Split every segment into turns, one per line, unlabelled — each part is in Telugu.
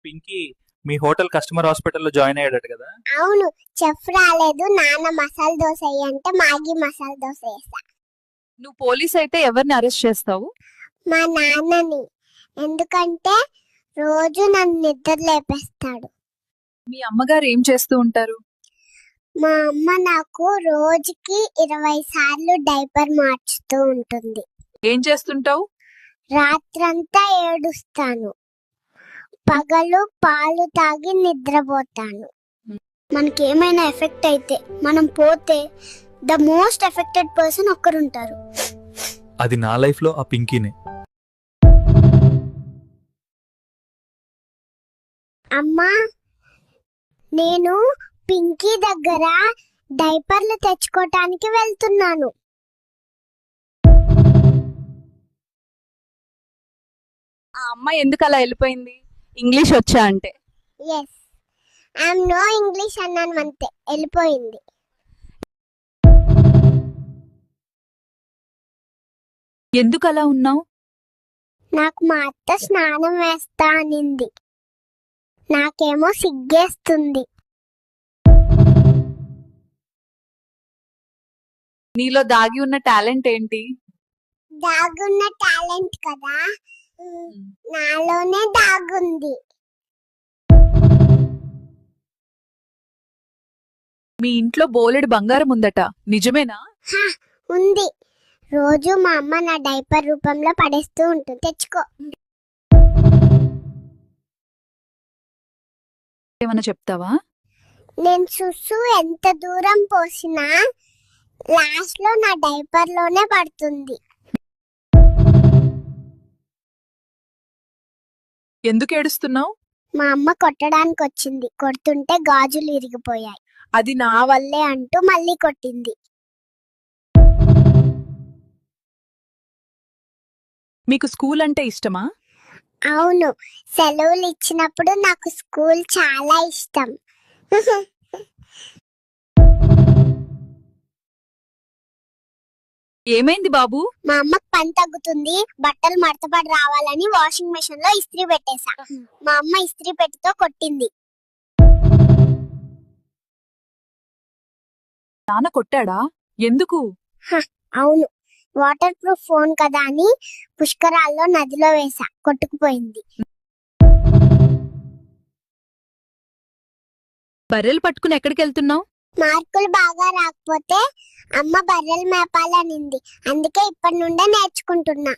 పింకీ మీ హోటల్ కస్టమర్ హాస్పిటల్లో జాయిన్ అయ్యాడట కదా.
అవును, చెఫ్ రాలేదు. నాన్న మసాలా దోశ అంటే మ్యాగీ మసాలా దోశ వేసా.
నువ్వు పోలీస్ అయితే ఎవరిని అరెస్ట్ చేస్తావు?
మా నాన్నని. ఎందుకంటే రోజు నన్ను నిద్ర లేపేస్తాడు.
మీ అమ్మగారు ఏం చేస్తూ ఉంటారు?
మా అమ్మ నాకు రోజుకి 20 సార్లు డైపర్ మార్చుతూ ఉంటుంది.
ఏం చేస్తుంటావు?
రాత్రంతా ఏడుస్తాను, పగలు పాలు తాగి నిద్రపోతాను. మనకేమైనా ఎఫెక్ట్ అయితే మనం పోతే ద మోస్ట్ ఎఫెక్టెడ్ పర్సన్ ఒక్కరుంటారు.
అది నా లైఫ్ లో ఆ పింకీనే.
అమ్మా, నేను పింకీ దగ్గర డైపర్లు తెచ్చుకోవటానికి వెళ్తున్నాను.
ఆ అమ్మాయి ఎందుకు అలా వెళ్ళిపోయింది? ఇంగ్లీష్ వచ్చా అంటే?
ఎస్, ఐఎమ్ నో ఇంగ్లీష్ అన్నాను అంతే, వెళ్ళిపోయింది.
ఎందుకు అలా ఉన్నావు?
నాకు మా అత్త స్నానం వేస్తా అనింది. నాకేమో సిగ్గేస్తుంది.
నీలో దాగి ఉన్న టాలెంట్ ఏంటి?
దాగున్న టాలెంట్ కదా, నాలోనే దాగుంది.
మీ ఇంట్లో బోలెడు బంగారం ఉందట, నిజమేనా?
ఉంది. రోజు మా అమ్మ నా డైపర్ రూపంలో పడేస్తూ ఉంటుంది. తెచ్చుకో.
ఏమన్నా చెప్తావా?
నేను సుసు ఎంత దూరం పోసినా లాస్ట్ లో నా డైపర్ లోనే పడుతుంది.
ఎందుకు ఏడుస్తున్నావు?
మా అమ్మ కొట్టడానికి వచ్చింది. కొడుతుంటే గాజులు ఇరిగిపోయాయి. అది నా వల్లే అంటూ మళ్ళీ కొట్టింది.
మీకు స్కూల్ అంటే ఇష్టమా?
అవును, సెలవులు ఇచ్చినప్పుడు నాకు స్కూల్ చాలా ఇష్టం.
ఏమైంది బాబు?
మా అమ్మకి పని తగ్గుతుంది, బట్టలు మడతపడి రావాలని వాషింగ్ మెషిన్ లో ఇస్త్రీ పెట్టేశా. మా అమ్మ ఇస్త్రీ పెట్టితో కొట్టింది.
నాన్న కొట్టాడా? ఎందుకు?
అవును, వాటర్ ప్రూఫ్ ఫోన్ కదా అని పుష్కరాల్లో నదిలో వేసా, కొట్టుకుపోయింది.
బర్రెలు పట్టుకుని ఎక్కడికి వెళ్తున్నావు?
మార్కులు బాగా రాకపోతే అమ్మ బర్రెలు మేపాలనింది, అందుకే ఇప్పటి నుండే నేర్చుకుంటున్నా.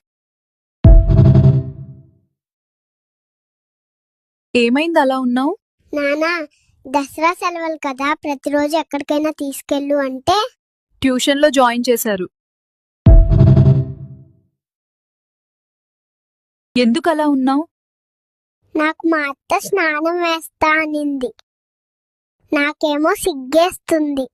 ఏమైంది అలా ఉన్నావు?
నానా, దసరా సెలవులు కదా, ప్రతిరోజు ఎక్కడికైనా తీసుకెళ్ళు అంటే
ట్యూషన్ లో జాయిన్ చేశారు. ఎందుకు అలా ఉన్నావు?
నాకు మా అత్త స్నానం వేస్తా అనింది. నాకేమో సిగ్గేస్తుంది.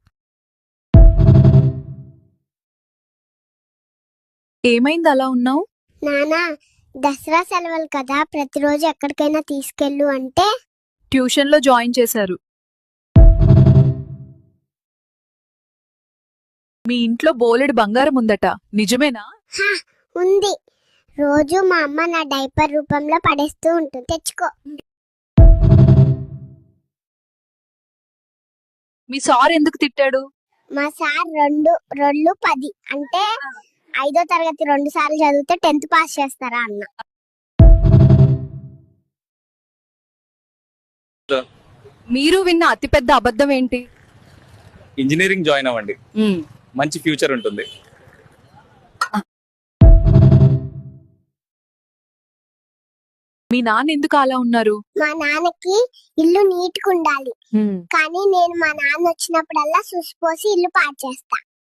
ఏమైంది అలా ఉన్నావు?
నానా, దసరా సెలవులు కదా, ప్రతిరోజు ఎక్కడికైనా తీసుకెళ్ళు అంటే
ట్యూషన్ లో జాయిన్ చేశారు. మీ ఇంట్లో బోలెడు బంగారం ఉందట, నిజమేనా?
ఉంది. రోజు మా అమ్మ నా డైపర్ రూపంలో పడేస్తూ ఉంటుంది. తెచ్చుకో.
మీ సార్ ఎందుకు తిట్టాడు?
మా సార్ రెండు 10 అంటే 5వ తరగతి 2 సార్లు చదివితే 10th పాస్ చేస్తారా అన్న.
మీరు విన్న అతిపెద్ద అబద్ధం ఏంటి?
ఇంజనీరింగ్ జాయిన్ అవ్వండి, మంచి ఫ్యూచర్ ఉంటుంది.
మీ నాన్న ఎందుకు అలా ఉన్నారు?
మా నాన్నకి ఇల్లు నీట్గా ఉండాలి, కానీ నేను మా నాన్న వచ్చినప్పుడల్లా సుసిపోసి ఇల్లు పాడు చేస్తా.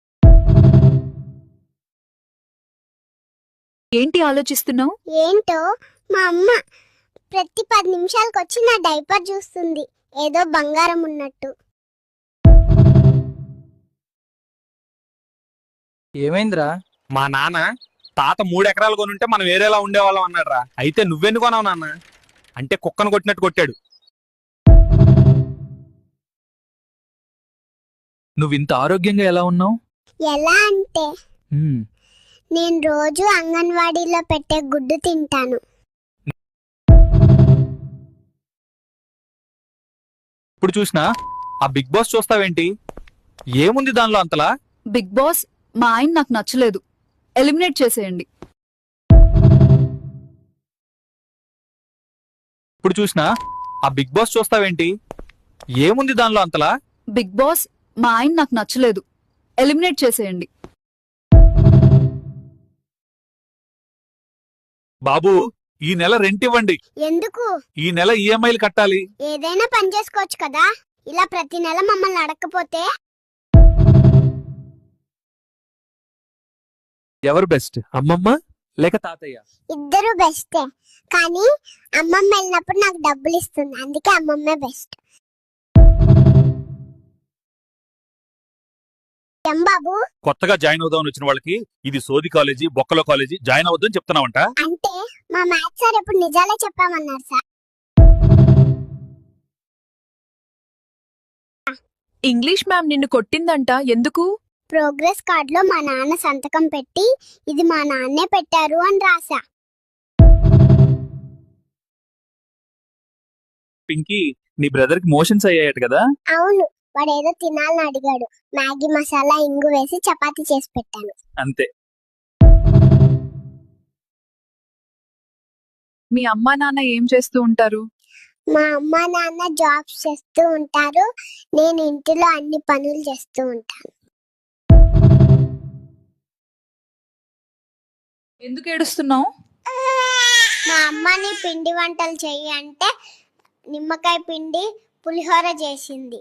ఏంటి ఆలోచిస్తున్నావు?
ఏంటో, మా అమ్మ ప్రతి 10 నిమిషాలకు వచ్చి నా డైపర్ చూస్తుంది, ఏదో బంగారం ఉన్నట్టు.
ఏమైందిరా?
మా నాన్న తాత 3 ఎకరాలు కొనుంటే మనం వేరేలా ఉండేవాళ్ళం అన్నాడు రా. అయితే నువ్వెందుకు కొనావు నాన్న అంటే కుక్కను కొట్టినట్టు కొట్టాడు.
నువ్వు ఇంత ఆరోగ్యంగా ఎలా ఉన్నావు?
ఎలా అంటే నేను రోజు అంగన్వాడీలో పెట్టే గుడ్డు తింటాను.
ఇప్పుడు చూసినా ఆ బిగ్ బాస్ చూస్తావేంటి? ఏముంది దానిలో అంతలా?
బిగ్ బాస్ మా ఆయన నాకు నచ్చలేదు, ఎలిమినేట్ చేసేయండి.
ఇప్పుడు చూసినా ఆ బిగ్ బాస్ చూస్తావేంటి? ఏముంది దానిలో అంతలా?
బిగ్ బాస్ మా ఆయన నాకు నచ్చలేదు, ఎలిమినేట్ చేసేయండి.
బాబు, ఈ నెల రెంట్ ఇవ్వండి.
ఎందుకు?
ఈ నెల ఈఎంఐలు కట్టాలి.
ఏదైనా పని చేసుకోవచ్చు కదా, ఇలా ప్రతి నెల మమ్మల్ని అడగకపోతే.
ఎవరు బెస్ట్, అమ్మమ్మ లేక తాతయ్య?
ఇద్దరు బెస్టే, కానీ అమ్మమ్మ వెళ్ళినప్పుడు నాకు డబ్బులు ఇస్తుంది, అందుకే అమ్మమ్మే బెస్ట్. ఏం బాబు?
కొత్తగా జాయిన్ అవుదామని వచ్చిన వాళ్ళకి ఇది సోది కాలేజీ, బొక్కలో కాలేజీ, జాయిన్ అవద్దని చెప్తున్నావంట.
అంటే మా మ్యాథ్స్ సార్ ఎప్పుడు నిజాలే చెప్పామన్నారు సార్.
ఇంగ్లీష్ మ్యామ్ నిన్ను కొట్టిందంట, ఎందుకు?
ప్రోగ్రెస్ కార్డ్ లో మా నాన్న సంతకం పెట్టి ఇది మా నాన్నే పెట్టారు అని రాసా.
పింకీ, నీ బ్రదర్ కి మోషన్స్ అయ్యాయట కదా?
అవును, వాడేదో తినాలని అడిగాడు, మ్యాగీ మసాలా ఇంగు వేసి చపాతీ చేసి పెట్టాను.
అంతే.
మీ అమ్మా నాన్న ఏం చేస్తూ ఉంటారు?
మా అమ్మ నాన్న జాబ్స్ చేస్తూ ఉంటారు, నేను ఇంటిలో అన్ని పనులు చేస్తూ ఉంటాను.
ఎందుకు ఏడుస్తున్నావు?
మా అమ్మని పిండి వంటలు చెయ్యి అంటే నిమ్మకాయ పిండి పులిహోర చేసింది.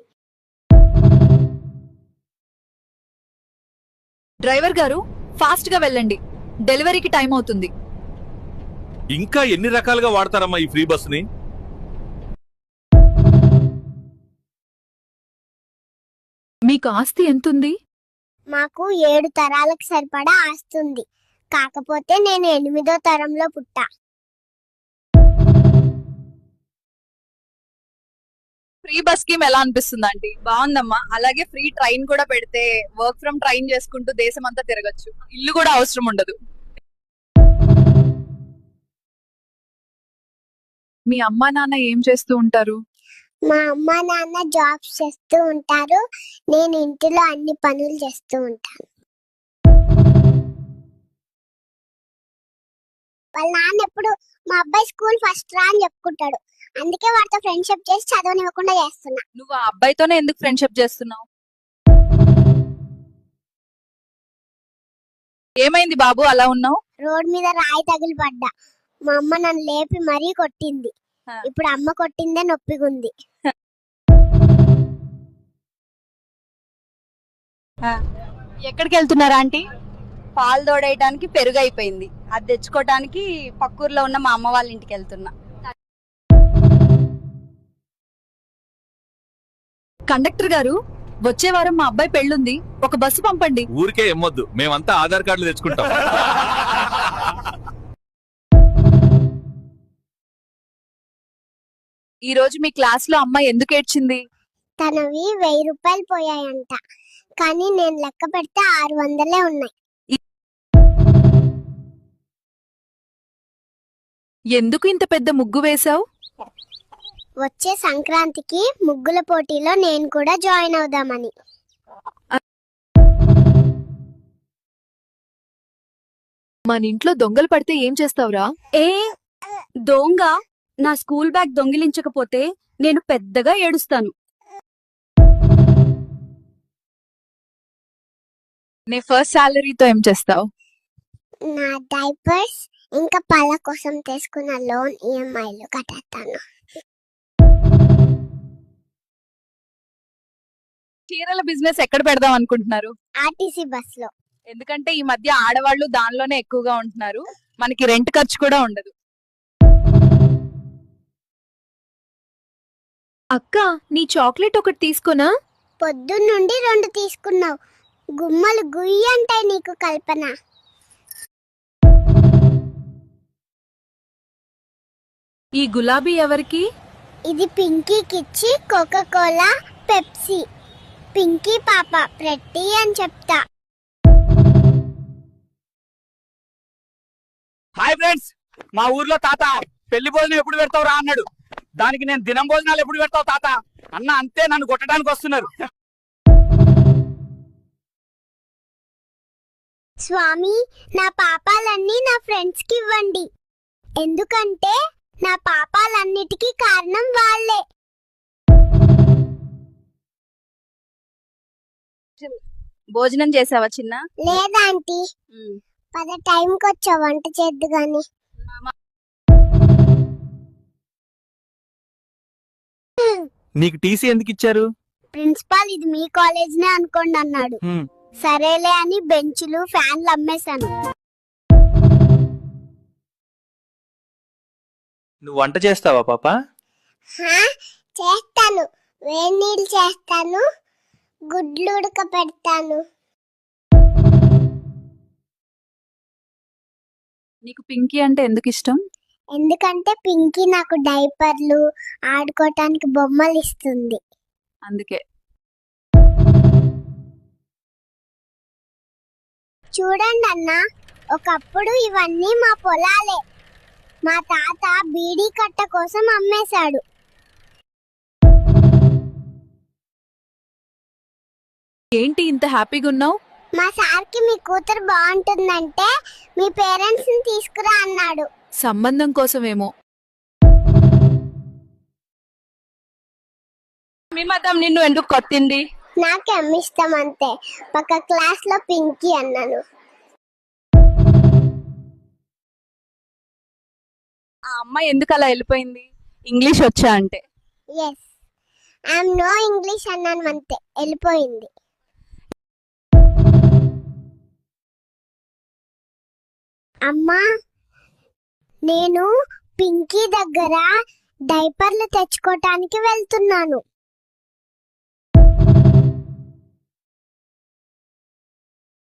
డ్రైవర్ గారు, ఫాస్ట్ గా వెళ్ళండి, డెలివరీకి టైం అవుతుంది.
ఇంకా ఎన్ని రకాలుగా వాడతారమ్మా ఈ ఫ్రీ బస్ ని?
మీకు ఆస్తి ఎంతుంది?
మాకు 7 తరాలకు సరిపడా ఆస్తుంది, కాకపోతే నేను 8వ తరంలో పుట్టా.
ఫ్రీ బస్ స్కీమ్ ఎలా అనిపిస్తుంది ఆంటీ? బాగుందమ్మా. అలాగే ఫ్రీ ట్రైన్ కూడా పెడితే వర్క్ ఫ్రమ్ ట్రైన్ చేసుకుంటూ దేశం అంతా తిరగచ్చు, ఇల్లు కూడా అవసరం ఉండదు. మీ అమ్మా నాన్న ఏం చేస్తూ ఉంటారు?
మా అమ్మ నాన్న జాబ్స్ చేస్తూ ఉంటారు, నేను ఇంటిలో అన్ని పనులు చేస్తూ ఉంటాను. వాళ్ళ నాన్న ఎప్పుడు మా అబ్బాయి స్కూల్ ఫస్ట్ రా అని చెప్పుకుంటాడు, అందుకే వాడితో ఫ్రెండ్షిప్ చేసి చదవనివ్వకుండా చేస్తున్నా.
నువ్వు ఆ అబ్బాయితోనే ఎందుకు ఫ్రెండ్షిప్ చేస్తున్నావు? ఏమైంది బాబు అలా ఉన్నావు?
రోడ్ మీద రాయి తగిలి పడ్డా, మా అమ్మ నన్ను లేపి మరీ కొట్టింది. ఇప్పుడు అమ్మ కొట్టిందే నొప్పిగుంది.
ఎక్కడికి వెళ్తున్నారా ఆంటీ? పాలు తోడేయడానికి పెరుగు అయిపోయింది, అది తెచ్చుకోవడానికి పక్కూర్లో ఉన్న మా అమ్మ వాళ్ళ ఇంటికి వెళ్తున్నా.
కండక్టర్ గారు, వచ్చే వారం మా అబ్బాయి పెళ్ళుంది, ఒక బస్సు పంపండి.
ఊరికే ఎమ్మొద్దు, మేమంతా ఆధార్ కార్డులు తెచ్చుకుంటాం.
ఈ రోజు మీ క్లాస్ లో అమ్మాయి ఎందుకు ఏడ్చింది?
తనవి 1000 రూపాయలు పోయాయంట, కానీ నేను లెక్క పెడితే 600 ఉన్నాయి.
ఎందుకు ఇంత పెద్ద ముగ్గు వేశావు?
వచ్చే సంక్రాంతికి ముగ్గుల పోటీలో నేను కూడా జాయిన్ అవుదామని.
మన ఇంట్లో దొంగలు పడితే ఏం చేస్తావురా?
ఏ దొంగ నా స్కూల్ బ్యాగ్ దొంగిలించకపోతే నేను పెద్దగా ఏడుస్తాను.
నీ ఫస్ట్ సాలరీతో ఏం చేస్తావు?
నా డైపర్స్ ఇంకా పళ్ళ కోసం తీసుకున్న లోన్ ఈఎంఐలు కట్టేస్తాను.
చీరల బిజినెస్ ఎక్కడ పెడదాం అనుకుంటున్నారు?
ఆర్టీసీ బస్ లో.
ఎందుకంటే ఈ మధ్య ఆడవాళ్ళు దానిలోనే ఎక్కువగా ఉంటున్నారు, మనకి రెంట్ ఖర్చు కూడా ఉండదు. అక్క, నీ చాక్లెట్ ఒకటి తీసుకున్నా?
పొద్దున్నుండి 2 తీసుకున్నావు, గుమ్మలు గుయ్యి అంటాయి నీకు కల్పన.
ఈ గులాబీ ఎవరికి?
ఇది పింకీకి ఇచ్చి కోకా కోలా పెప్సీ. పింకీ పాప ప్రెట్టి అని చెప్తా.
హాయ్ ఫ్రెండ్స్, మా ఊర్లో తాత పెళ్లి భోజనం ఎప్పుడు పెడతావు రా అన్నాడు.
దానికి నేను దినం భోజనాలు ఎప్పుడు పెడతావు తాత అన్న అంతే నన్ను కొట్టడానికి వస్తున్నారు.
స్వామి, నా పాపాలన్నీ నా ఫ్రెండ్స్ కి ఇవ్వండి, ఎందుకంటే నా పాపాలన్నిటికీ కారణం వాళ్ళే.
భోజనం చేసావా చిన్న?
లేదాంటీ, పద టైంకి వచ్చా, వంట చేద్దు గాని.
నీకు టీసీ ఎందుకు ఇచ్చారు?
ప్రిన్సిపాల్ ఇది మీ కాలేజ్నే అనుకోండి అన్నాడు.
హ్మ్.
సరేలే అని బెంచులు ఫ్యాన్లు అమ్మేశాను.
నువ్వు వంట చేస్తావా పాప?
చేస్తాను, వేడి నీళ్ళు చేస్తాను, గుడ్లు ఉడక పెడతాను.
నీకు పింకీ అంటే ఎందుకు ఇష్టం?
ఎందుకంటే పింకీ నాకు డైపర్లు, ఆడుకోవటానికి బొమ్మలు ఇస్తుంది.
అందుకే.
చూడండి అన్న, ఒకప్పుడు ఇవన్నీ మా పొలాలే. మా తాత బీడీ కట్ట కోసం అమ్మేశాడు.
ఏంటి ఇంత హ్యాపీగా ఉన్నావు?
మా సార్కి మీ కూతురు బాగుంటుందంటే మీ పేరెంట్స్ ని తీసుకురా అన్నాడు.
సంబంధం కోసమేమో.
మీ మతం నిన్ను ఎందుకు కొట్టింది?
నాకేం ఇష్టం అంతే. పక్క క్లాస్ లో పింకీ అన్నాను.
ఆ అమ్మాయి ఎందుకు అలా వెళ్ళిపోయింది? ఇంగ్లీష్ వచ్చా అంటే?
ఎస్, ఐఎమ్ నో ఇంగ్లీష్ అన్నాను అంతే, వెళ్ళిపోయింది. అమ్మా, నేను పింకీ దగ్గర డైపర్లు తెచ్చుకోవటానికి వెళ్తున్నాను.